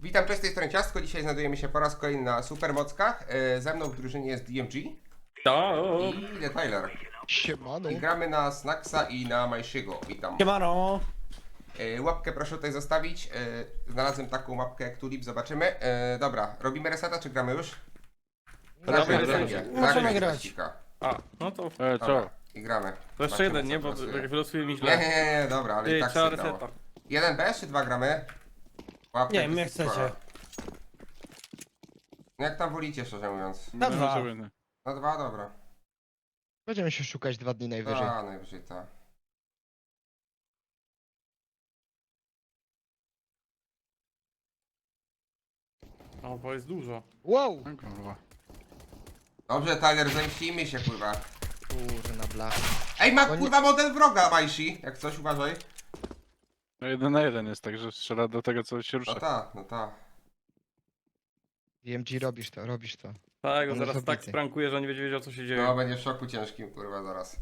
Witam, cześć, z tej strony Ciastko. Dzisiaj znajdujemy się po raz kolejny na Supermockach. Ze mną w drużynie jest DMG i The Tyler. Siemano. I gramy na Snacksa i na Majshiego. Witam. Siemano! Łapkę proszę tutaj zostawić. Znalazłem taką łapkę jak Tulip, zobaczymy. Dobra, robimy reseta czy gramy już? To Dobra, najpierw gramy. będzie. Możemy Tak, grać. teścika. A, no to Dobra, Co? i gramy. to jeszcze Zobaczymy, jeden, co nie? Bo wylosuje. jak wylosuje mi Nie, źle. nie, dobra, ale i Ty, tak trzeba się dało. reseta. Jeden bez czy dwa gramy? Łapkę Nie wiem, jak jest spora. chcecie. No jak tam wolicie, szczerze mówiąc. Na dwa. No dwa, dobra. Będziemy się szukać 2 dni najwyżej. A, najwyżej tak. O, bo jest dużo. Wow! Dobrze, Tyler, zemścimy się, kurwa. Kurna blach. Ej, ma Oni- kurwa model wroga, Majsi. Jak coś, uważaj. No 1 na 1 jest, także strzela do tego, co się No rusza. ta, no ta. DMG, robisz to, robisz to. Tak, go On zaraz jest tak obity. sprankuje, że nie będzie wiedział co się dzieje. No, będzie w szoku ciężkim, kurwa, zaraz.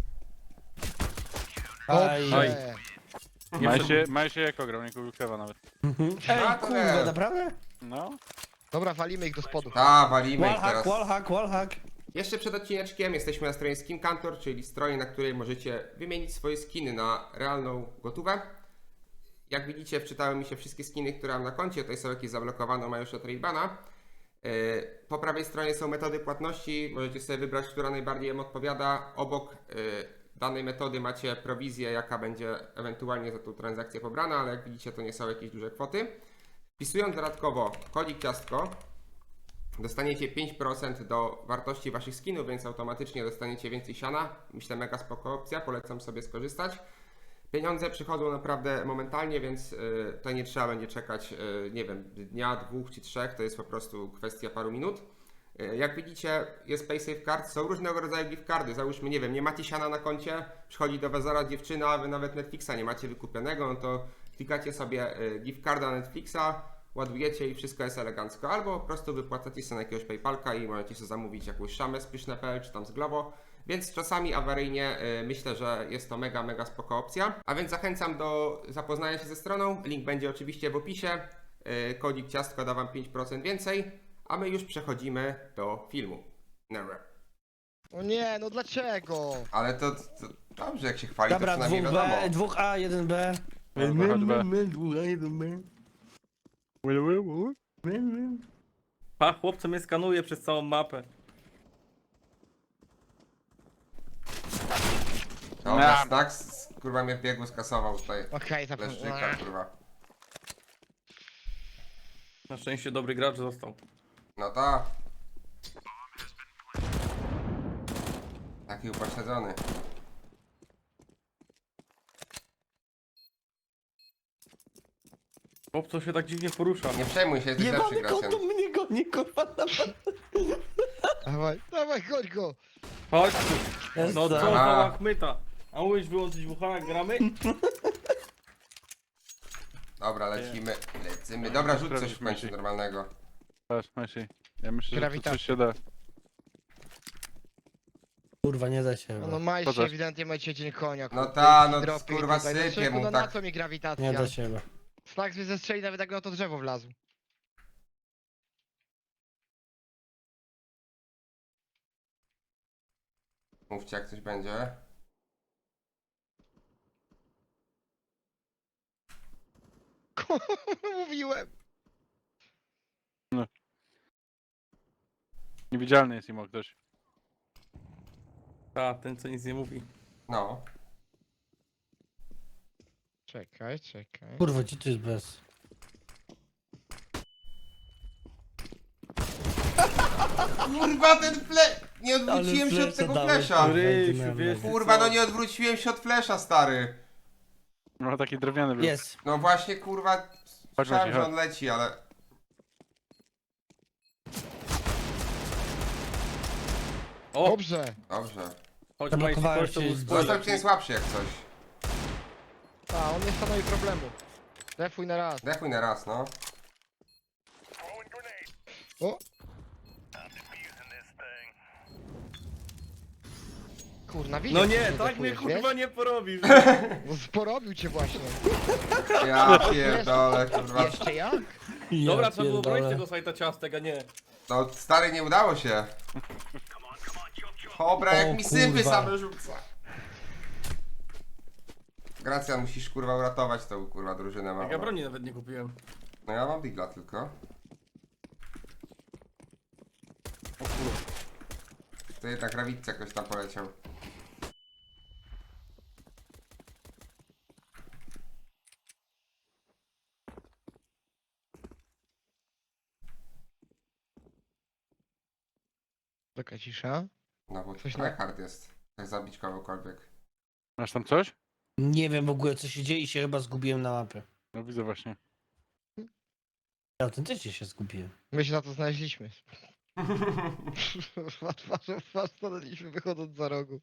Aj. Dobrze. Maj się jako grał, nie kupił klewa nawet. Ej, A, to kurde, nie. naprawdę? No. Dobra, walimy ich do spodu. Ta, walimy ich Wallhack, teraz. wallhack, wallhack. Jeszcze przed odcineczkiem jesteśmy na stronie Skin Kantor, czyli stronie, na której możecie wymienić swoje skiny na realną gotówę. Jak widzicie, wczytały mi się wszystkie skiny, które mam na koncie. Tutaj są jakieś zablokowane, mają już od Raybana. Po prawej stronie są metody płatności. Możecie sobie wybrać, która najbardziej Wam odpowiada. Obok danej metody macie prowizję, jaka będzie ewentualnie za tą transakcję pobrana, ale jak widzicie, to nie są jakieś duże kwoty. Wpisując dodatkowo kodzik ciastko, dostaniecie 5% do wartości Waszych skinów, więc automatycznie dostaniecie więcej siana. Myślę, mega spoko opcja, polecam sobie skorzystać. Pieniądze przychodzą naprawdę momentalnie, więc to nie trzeba będzie czekać, nie wiem, dnia, 2 czy 3, to jest po prostu kwestia paru minut. Jak widzicie, jest PaySafe Card, są różnego rodzaju gift cardy. Załóżmy, nie wiem, nie macie siana na koncie, przychodzi do Was zaraz dziewczyna, a Wy nawet Netflixa nie macie wykupionego, no to klikacie sobie gift carda Netflixa, ładujecie i wszystko jest elegancko. Albo po prostu wypłacacie sobie na jakiegoś PayPalka i możecie sobie zamówić jakąś szamę z Pyszne.pl czy tam z Glovo. Więc czasami awaryjnie myślę, że jest to mega, mega spoko opcja. A więc zachęcam do zapoznania się ze stroną. Link będzie oczywiście w opisie. Kodzik ciastko da Wam 5% więcej. A my już przechodzimy do filmu. Never. O nie, no dlaczego? Ale to dobrze, jak się chwali, to Dobra, przynajmniej wiadomo. 2B, 2A, 1B. Pa, chłopcy mnie skanuje przez całą mapę. Dobra, Snacks, kurwa mnie w biegu skasował tutaj. Okej, Leszczyka, kurwa. Na szczęście dobry gracz został. No ta. Taki upośledzony. Chłopco się tak dziwnie porusza. Nie przejmuj się, jesteś lepszy Jebany graczem. kotu mnie goni, kurwa. Dawaj, dawaj, chodź go. Chodź tu. Jest No co tak. za Aha. łachmyta. A mówisz wyłączyć WH jak gramy? Dobra, lecimy, lecimy. Dobra, rzuć coś w Sprawdź, końcu Maciej. normalnego. Patrz, Maj ja myślę, że tu Grawitacja. coś się da. Kurwa, nie da się. No maj się, Poza- ewidentnie macie dzień konia. No kurwa, ta, i no dropy i kurwa tutaj. No sypie człowieku, mu no na tak. co mi grawitacja? Nie da się. Snacks mnie zestrzeli nawet jak na to drzewo wlazł. Mówcie, jak coś będzie. Mówiłem. Niewidzialny jest im ktoś. Ta, ten co nic nie mówi. No. Czekaj, czekaj. Kurwa, ci tu jest bez. Kurwa, ten nie odwróciłem się od tego flesza. Rysiu, wiesz ty Kurwa, co? no nie odwróciłem się od flesza, stary. No taki drewniany był. Jest. No właśnie, kurwa, słyszałem, Maciej, że chodź. on leci, ale... O, Dobrze. Dobrze. chodź Zablokowałem Majsi, chodź, to się był z- spoiler. Został cię słabszy jak coś. A, on nie stanowi problemu. Defuj na raz. Dechuj na raz, no. O! Kurna, widzisz? No nie, że tak mnie defujesz, kurwa wiesz? nie porobisz. No porobił cię właśnie. Ja pierdolę, kurwa. Jeszcze jak? Dobra, trzeba było bronić pierdolę. tego sajta ciastek, a nie. No stary, nie udało się. Dobra, O, jak mi sypy kurwa. same rzuca. Gracja, musisz kurwa uratować tą kurwa drużynę Jak ja małą. broni nawet nie kupiłem. No ja mam digla tylko. To jednak Rawicce jakoś tam poleciał. Taka cisza. No bo Coś tryhard jest. Jak zabić kogokolwiek. Masz tam coś? Nie wiem w ogóle co się dzieje i się chyba zgubiłem na mapie. No widzę właśnie. Ja autentycznie się zgubiłem. My się na to znaleźliśmy. Stanęliśmy wychodząc za rogu.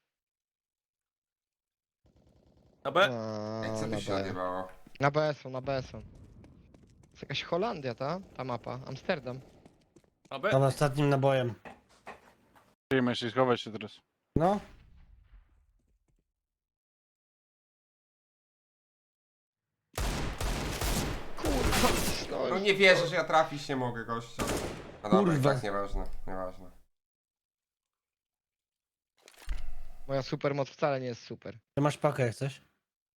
Na B? Ej, co na tu się B. odjebało? Na B są, na B są. To jest jakaś Holandia, ta mapa. Amsterdam. Na B? Tam ostatnim nabojem. Przyjmę się, schować się teraz. No. Kurwa, No nie wierzę, że ja trafić nie mogę, gościa. No dobra, i Kurwa. tak nieważne, nieważne. Moja supermoc wcale nie jest super. Ty masz pakę jak coś?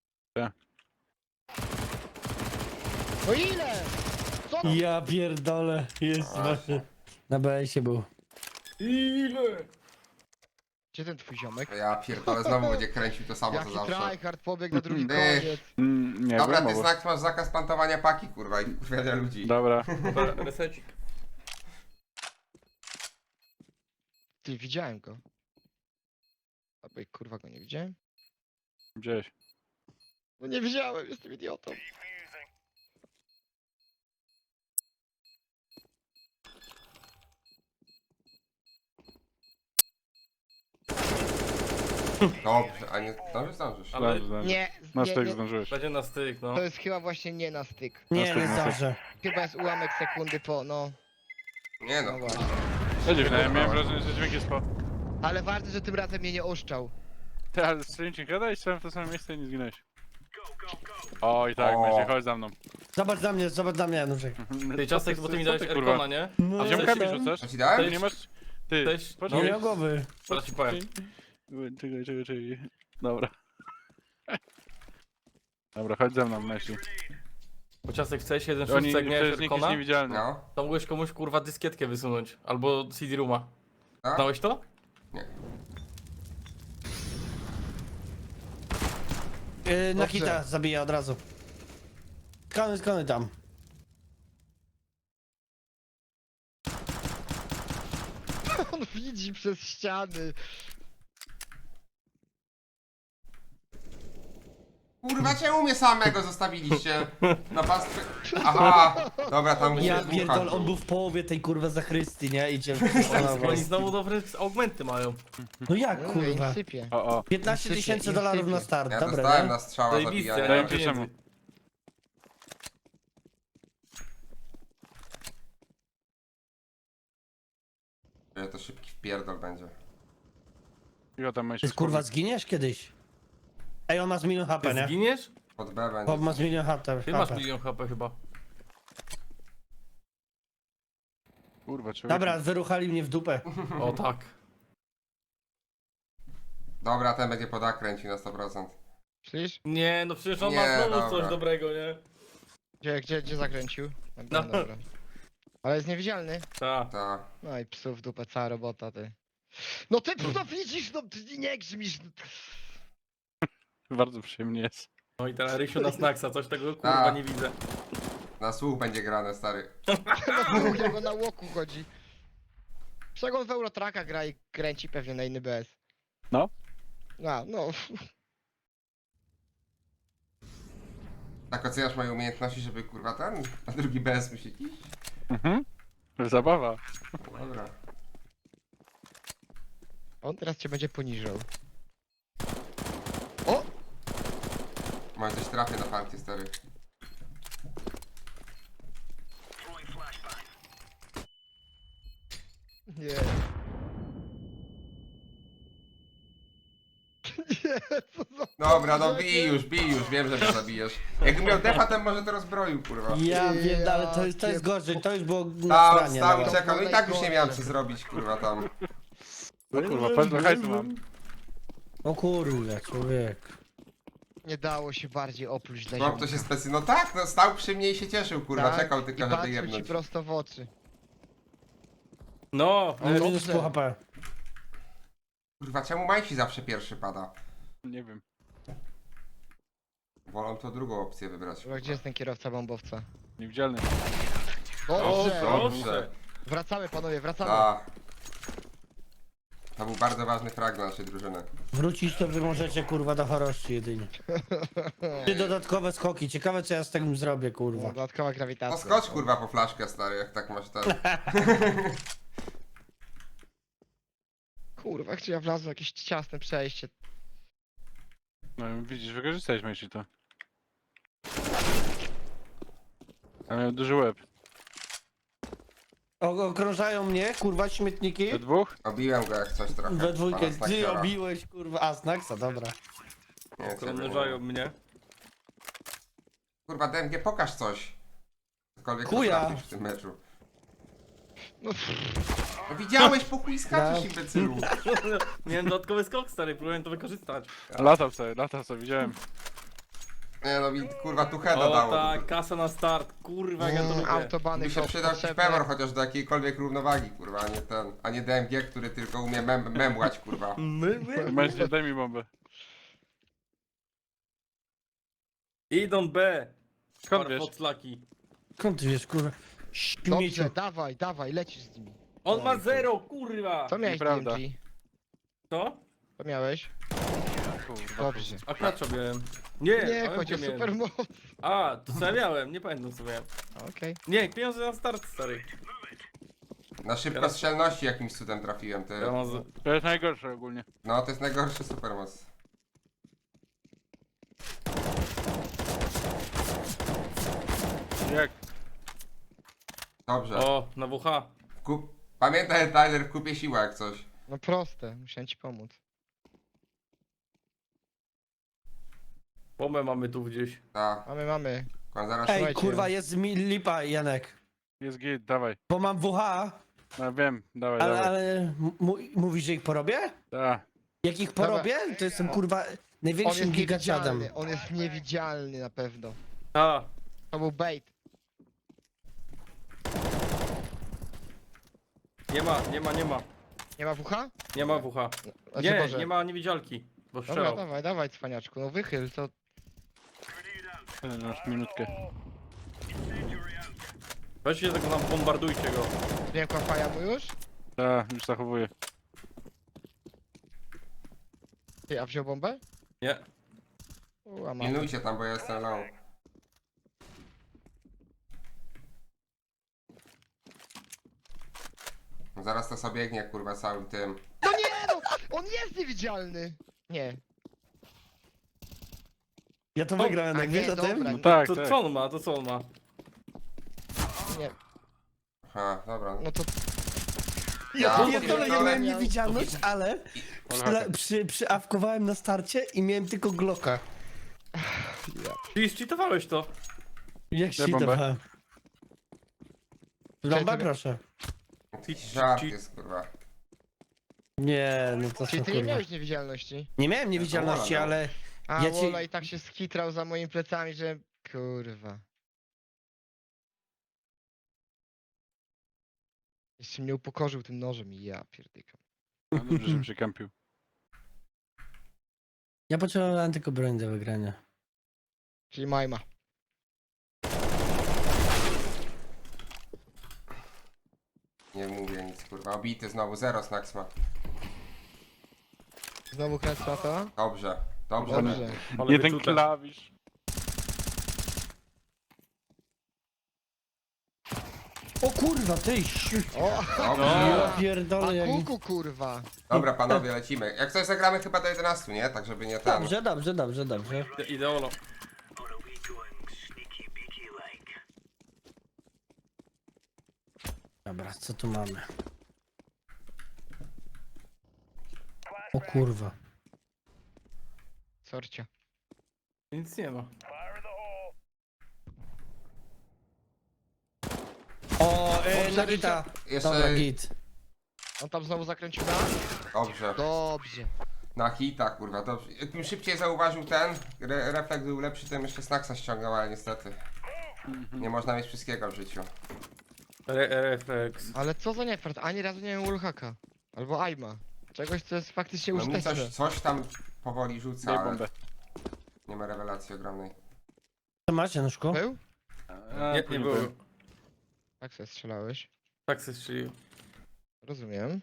No ile? Co to? Ja pierdolę. Jest A. właśnie. Na BS-ie był. Ile? Gdzie ten twój ziomek? Ja pierdolę, znowu będzie kręcił to samo co Jaki zawsze. tryhard pobiegł na drugi Ech. koniec. Nie Dobra, wiem, ty znak, masz zakaz plantowania paki, kurwa, i kurwiania ludzi. Dobra. Dobra, resecik. Ty, widziałem go. Albo kurwa go nie widziałem? Gdzieś. No nie widziałem, jestem idiotą. Dobrze, a nie zdążysz. Ale Nie, Na nie, styk nie. zdążyłeś. będzie na styk, no. To jest chyba właśnie nie na styk. Nie, Następny nie styk. zdążę. Chyba jest ułamek sekundy po, no. Nie no, No właśnie. Ja dziwne, ja miałem wrażenie, że dźwięk jest po... Ale ważne, że tym razem mnie nie oszczał. Ty, ale strzeliłem ci gada i strzelałem w to samo miejsce i nie zginąłeś. O i tak, O. będzie, chodź za mną. Zobacz na mnie, Januszek. Ty ciastek, bo ty mi dałeś kurwa? Erkona, nie? No, A ja ziomkami myślałem- rzucasz? co ci dałem? Ty nie masz... Ty, Cześć. Nie poczekaj. miał głowy. Zaraz ci powiem. Czekaj. Dobra. Dobra, chodź ze mną, Messi. Bo ciastek chce jeden Oni, szóstek, jak miałeś przecież nikt jest Erkona, niewidzialny. No, to mogłeś komuś kurwa dyskietkę wysunąć. Albo CD-rooma. a? Znałeś to? Na Dobrze. hita zabija od razu. Skany tam. On widzi przez ściany. Kurwa, czemu mnie samego zostawiliście? Na pastwę... Aha, dobra, tam muszę Ja dmuchać. pierdol, on był w połowie tej kurwa zachrystii, nie? Idzie. Oni znowu dobre augmenty mają. No jak No, kurwa? i sypie. O. 15 000 dolarów na start, Ja dobra, dostałem nie? na strzała Zajebiste, ja zabijania. nie mam Daję ci pieniędzy. Że to szybki wpierdol będzie. I tam Messi. Ty kurwa zginiesz kiedyś? Ej, on ma z milion HP, Ty nie? zginiesz? Pod B będzie. Bob ma z milion HP. Ty masz milion HP chyba. Kurwa, człowiek. Dobra, wyruchali mnie w dupę. O tak. Dobra, ten będzie pod A kręcił na 100%. Słyszysz? Nie, no przecież on Nie, ma znowu dobra. coś dobrego, nie? Gdzie zakręcił? No. Dobra. Ale jest niewidzialny. Tak. Tak. No i psów w dupę, cała robota, ty. No ty no widzisz, no ty nie grzmisz. Bardzo przyjemnie jest. No i teraz Rysiu na snacksa, coś tego kurwa Tak. nie widzę. Na słuch będzie grane, stary. No jego na łoku chodzi. Przecież on w Eurotraka gra i kręci pewnie na inny BS. No. A, no. Tak oceniasz moje umiejętności, żeby kurwa ten, na drugi BS musieć iść? Mhm. Zabawa. Dobra. On teraz cię będzie poniżał. O! Może coś trafię na fanty, stary. Nie. Nie, co za Dobra, no bij już, wiem, że mnie zabijesz. Jakbym miał defa, to może to rozbroił, kurwa. Ja wiem, ale to jest gorzej, to już było na Stał, stranie. stał i nawet. czekał, no i tak już nie miałem co zrobić, kurwa, tam. No kurwa, patrz do hajsu mam. O kurde, człowiek. Nie dało się bardziej opluć dla Chłop to się no tak, no stał przy mnie i się cieszył, kurwa, Tak, czekał i tylko, żeby patrzył ci jebnąć. prosto w oczy. No, On dobrze. minus pół HP. Kurwa, czemu Majci zawsze pierwszy pada? Nie wiem. Wolą to drugą opcję wybrać. Chyba gdzie jest ten kierowca bombowca? Niewidzialny. Dobrze! Dobrze. Wracamy panowie, wracamy. Tak. To był bardzo ważny frag dla naszej drużyny. Wrócić to wy możecie kurwa do chorości jedynie. Ty dodatkowe skoki, ciekawe co ja z tym zrobię kurwa. Dodatkowa grawitacja. No skocz, kurwa, po flaszkę, stary, jak tak masz ten... Kurwa, gdzie ja wlazłem w jakieś ciasne przejście. No widzisz, wykorzystaliśmy ci to. A miał duży łeb. Okrążają mnie kurwa śmietniki. We dwóch? Obiłem go jak coś trochę. We dwójkę, Pana ty Snakiora. obiłeś kurwa, a Snacksa, dobra. Nie, ciebie nie. krążają mnie. Kurwa, DMG, pokaż coś. Cokolwiek Chuja. potrafisz w tym meczu. No, No widziałeś, po chuj skaczesz, No. imbecylu. Miałem dodatkowy skok, stary, próbowałem to wykorzystać. Latał sobie, widziałem. Nie no, kurwa, tu heada O dało. tak, kasa na start, kurwa, jak ja to lubię. autobany Mi się hop, przydał jakiś potrzebne. pemor chociaż do jakiejkolwiek równowagi, kurwa, a nie ten, a nie DMG, który tylko umie memłać, kurwa. Mężczyzn, daj mi bombę. Idą B. Skąd wiesz? Farfoclaki. Skąd ty wiesz kurwa? Śmieciu. Dobrze, dawaj, lecisz z nimi. On ma 0, kurwa. Co miałeś Nieprawda. DMG? Co? Co miałeś? Kurwa. Dobrze. A klacza miałem. Nie, Nie, a chodź o miałem. super moc. A, to co ja miałem, nie pamiętam co miałem. Okej. Nie, pieniądze na start, stary. Na szybkostrzelności jakimś cudem trafiłem, ty. Ja mam z... To jest najgorsze ogólnie. No, to jest najgorszy supermoc. Jak? Dobrze. O, na WH. Pamiętaj, Tyler, kupię siłę jak coś. No proste, musiałem ci pomóc. Bombę mamy tu gdzieś. Tak, Mamy. zaraz Ej Słuchajcie. kurwa, jest mi lipa Janek. Jest git, dawaj. Bo mam WH, No wiem, dawaj, ale, dawaj. ale mówisz, że ich porobię? Da. Jak ich porobię, to jestem kurwa On największym jest gigaciadem. niewidzialny, on jest niewidzialny na pewno. A, To był bait. nie ma. Nie ma WH? Nie ma WH. Znaczy, Nie, Boże. nie ma niewidzialki. Bo Dobra, strzelał. dawaj, cwaniaczku, no wychyl, to... Masz minutkę. Weźcie tego nam, bombardujcie go. Nie faja mu już? Da, już zachowuję. Ty, a wziął bombę? Nie. A mam. pilnujcie tam, bo ja jestem low. Zaraz to sobie biegnie, kurwa, całym tym. No nie no! On jest niewidzialny! Nie. Ja to O, wygrałem, a jak nie, wiesz o tym? dobra. No tak, To tak. co on ma, to co on ma? Nie. Aha, dobra. No to... Ja Ja pierdolę, ja pierdolę. miałem niewidzialność, ale przyawkowałem na starcie i miałem tylko Glocka. Ty zcheatowałeś to. Jak się bombę. dawałem. Bombę Czekaj, proszę. Jakiś żart jest, kurwa. Nie, no to Czyli są ty nie kurwa. miałeś niewidzialności? Nie miałem niewidzialności, Ja to ale A Ja ci- Wola i tak się skitrał za moimi plecami, że... Kurwa. Jeszcze mnie upokorzył tym nożem i ja pierdykam. No dobrze, żebym się kampił. ja potrzebowałem tylko broń do wygrania. Czyli Majma. Nie mówię nic, kurwa. Obity znowu, 0 Snax ma. Znowu kręcę na to? Dobrze, dobrze. Dobrze. Ale Jeden wyczute. klawisz. O kurwa, ty siu... O! Dobrze. Ja A pierdolę jak... kuku kurwa! Dobra, panowie, lecimy. Jak coś zagramy chyba do 11, nie? Tak, żeby nie ten... Dobrze. Ideolo. Dobra, co tu mamy? O kurwa. Sorcia. Nic nie ma. O, Dobrze, na gita. Jeszcze- Dobra, git. On tam znowu zakręcił na? Dobrze. Dobrze. Na hita, kurwa. Dobrze. Jakbym szybciej zauważył ten, refleks był lepszy, to bym jeszcze Snacksa ściągał, ale niestety. Nie można mieć wszystkiego w życiu. Refleks. Ale co za niefart, ani razu nie miałem wallhacka. Albo aima. Czegoś, co jest faktycznie No mi użyteczne. coś tam powoli rzuca, Daj ale bombę. nie ma rewelacji ogromnej. Co masz, Januszku? Był? Nie było. Tak sobie strzelałeś. Tak se strzelił. Rozumiem.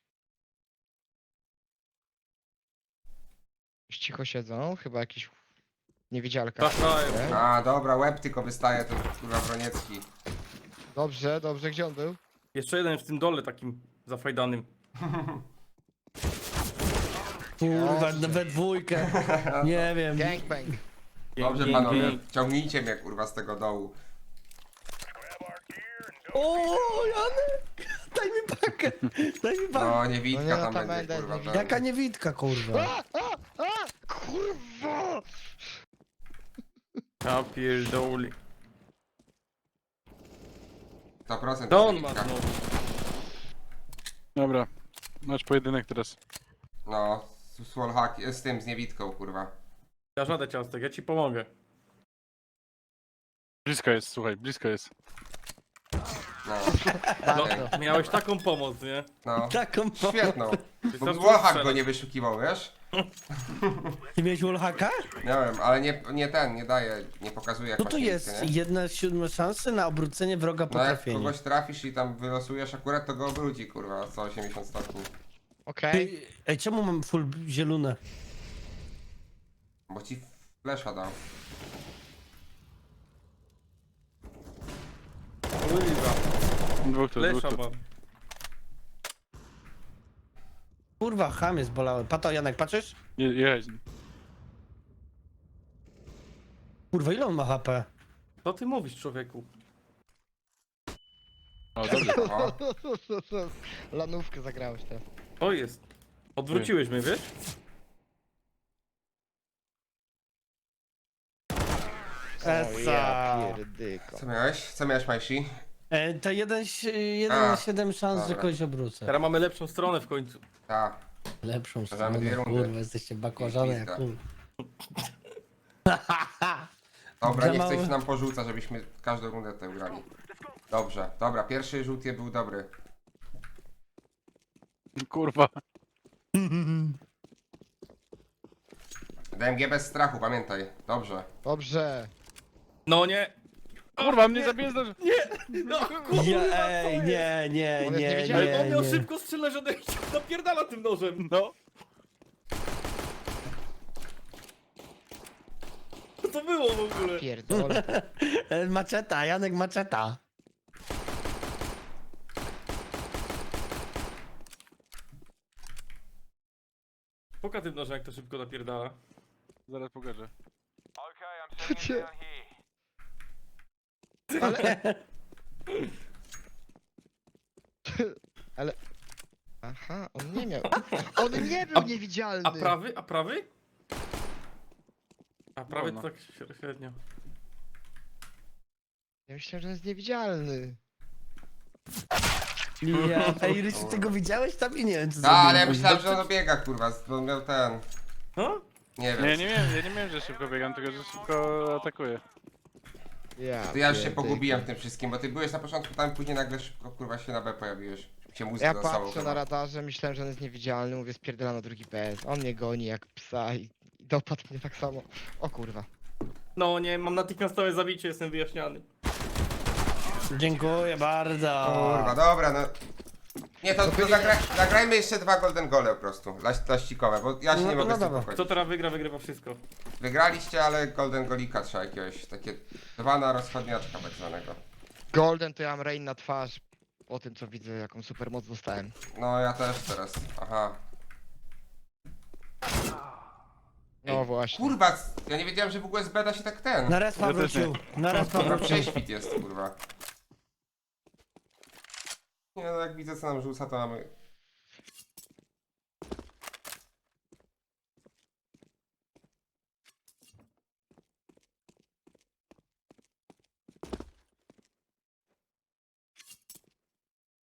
Już cicho siedzą, chyba jakiś niewidzialka. Trafiają. Okej. A, dobra, łeb tylko wystaje, ten kurwa Broniecki. Dobrze, dobrze, gdzie on był? Jeszcze jeden w tym dole takim zafajdanym. Kurwa, Dobrze. we dwójkę. Nie wiem. Gangbang. Dobrze Dzięki. panowie, ciągnijcie mnie kurwa z tego dołu. O, Janek! Daj mi pakę! Daj mi pakę! No, niewidka No nie, tam tam będzie będę, kurwa. niewidka. ten. Jaka niewidka, kurwa. Kurwa! Ja pierdoli. 100% To on ma niewidka. znowu. Dobra. Masz pojedynek teraz. No, z wallhack, z tym, z niewidką kurwa. Ja żadę ciastek, ja ci pomogę. Blisko jest, słuchaj, blisko jest. No, Bardzo. Miałeś taką pomoc, nie? no. Taką pomoc. Świetną. Bo Wystarczy wallhack strzelać. go nie wyszukiwał, wiesz? Ty miałeś wallhacka? Miałem, ale nie ten, nie daje, nie pokazuje jak Co masz to niewidkę, jest? nie? 1/7 szansy na obrócenie wroga po No jak trafieniu. kogoś trafisz i tam wylosujesz akurat, to go obróci kurwa, co 80 stopni. Okej. Ej, czemu mam full zielone? Bo ci flesza dał. Kurwa. Dwóch tu, dwóch Lesza tu. mam. Kurwa, ham jest bolały. Pato, Janek, patrzysz? Jedź. Kurwa, ile on ma HP? Co ty mówisz, człowieku? O, dobrze. O, Lanówkę zagrałeś teraz. To jest. Odwróciłeś mnie, wiesz? Esa. pierdyko. co miałeś? Co miałeś, Majsi? To 1/7 szans, że dobra. kogoś obrócę. Teraz mamy lepszą stronę w końcu. Tak. Lepszą Przegramy stronę, dwie rundy. kurwa, jesteście bakłażane jak Pizda. kur. Dobra, Za nie mały. chcę się nam porzuca, żebyśmy każdą rundę tutaj grali. Dobrze, dobra, pierwszy rzut je był dobry. Kurwa. DMG bez strachu, pamiętaj. Dobrze. Dobrze. No nie! Kurwa, mnie zabijesz do... No, Ja, ej, nie, nie, On jest nie, niewidzialny. Ale on miał nie. szybko strzelać, że napierdala tym nożem. No. Co to było w ogóle? Pierdolę. Maczeta, Janek maczeta. Poka tym nożem, jak to szybko napierdala. Zaraz pokażę. Ale... Aha, on nie miał. On nie był niewidzialny. A prawy? A prawy? A prawy No, to no. tak średnio. Ja myślałem, że on jest niewidzialny. Ja, ej, Rysiu, ty go widziałeś tam i nie wiem, co A, ale ja zrobiłeś. myślałem, że on dobiega, kurwa, bo on miał ten... No? Nie wiem. Ja nie miałem, że szybko biegam, tylko że szybko atakuję. To ja już się pierdyko. pogubiłem w tym wszystkim, bo ty byłeś na początku tam, później nagle szybko, kurwa, się na B pojawiłeś. Się mózg Ja zastało patrzę chyba. na radarze, myślałem, że on jest niewidzialny, mówię spierdala na drugi PS. On mnie goni jak psa i dopadł mnie tak samo. O kurwa. No nie, mam natychmiastowe zabicie, jestem wyjaśniany. Dziękuję bardzo. Kurwa, dobra, no... Nie, to zagrajmy jeszcze 2 golden gole po prostu, laścikowe, bo ja się No, nie mogę no z tym dobra. pogodzić. Kto teraz wygra, wygrywa wszystko. Wygraliście, ale golden golika trzeba jakiegoś, takie 2 na rozchodniaczka tak zwanego. Golden to ja mam rain na twarz. Po tym co widzę, jaką super moc dostałem. No ja też teraz, aha. No właśnie. Kurwa, ja nie wiedziałem, że w ogóle z B da się tak ten. Na respa Ja też wrócił. Na respa Dobra, wrócił. prześwit jest, kurwa. Nie no, jak widzę co nam rzuca, to mamy...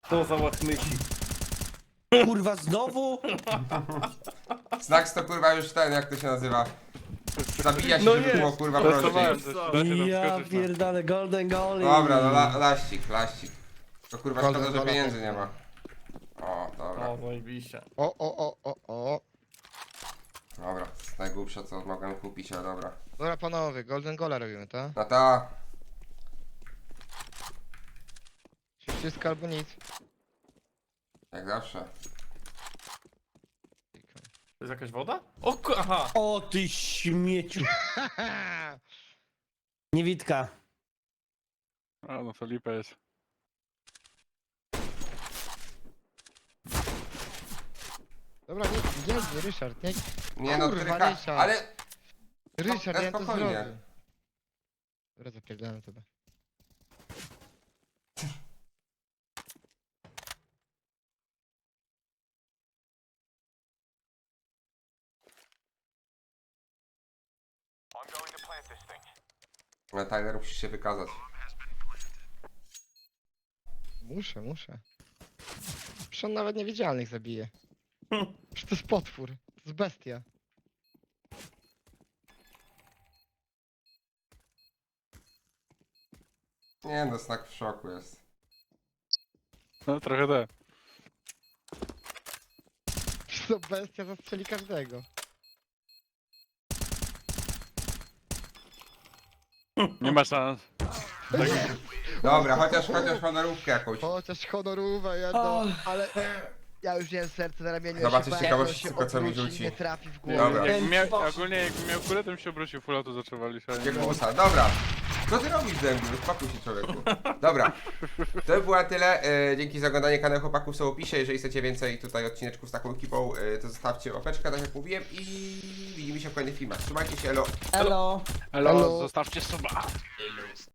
To za łachmysi. Kurwa, znowu? Snacks to kurwa już ten, jak to się nazywa? Zabija się, No żeby jest. było kurwa prościej. Testowałem coś, da się tam Ja skoczyć, no. pierdolę, golden goalie. Dobra, no laścik. To kurwa Golden szkoda, że gola pieniędzy to- nie ma. O, dobra. O, zajebiście. O. Dobra, najgłupsze co mogłem kupić, ale dobra. Dobra panowie, golden gola robimy, tak? No to... Wszystko albo nic. Jak zawsze. To jest jakaś woda? Aha! O ty śmieciu. Niewidka. A, no to lipa jest. Dobra, nie, Ryszard, nie. Nie no, Kurwa, tryka, Ryszard. ale... Ryszard, ja to spokojnie. zrobię. Dobra, zapierdalam tobie. No Tyler, musisz się wykazać. Muszę. Przecież on nawet niewidzialnych zabije. Przecież to jest potwór. To jest bestia. Nie no, Snack w szoku jest. No trochę da. Przecież to bestia zastrzeli każdego. Nie ma szans. Dobra, chociaż honorówkę jakąś. Chociaż honorówę jedno, ale... Ja już miałem serce na ramieniu. Zobaczysz ja się ciekawość, bałem, tylko co mi obróci i rzuci. Nie trafi w głowę. Dobra. Ogólnie jakbym miał kulę, to bym się obrócił full auto zaczął walić, ale nie Jak miałem. musa, dobra. Co ty robisz ze mnie? Uspokój się, człowieku. Dobra. To by było tyle. Dzięki za oglądanie. Kanał chłopaków są w opisie. Jeżeli chcecie więcej tutaj odcineczków z taką ekipą, to zostawcie łapeczkę, tak jak mówiłem. I widzimy się w kolejnych filmach. Trzymajcie się, elo. Elo. Elo, Elo. zostawcie suba.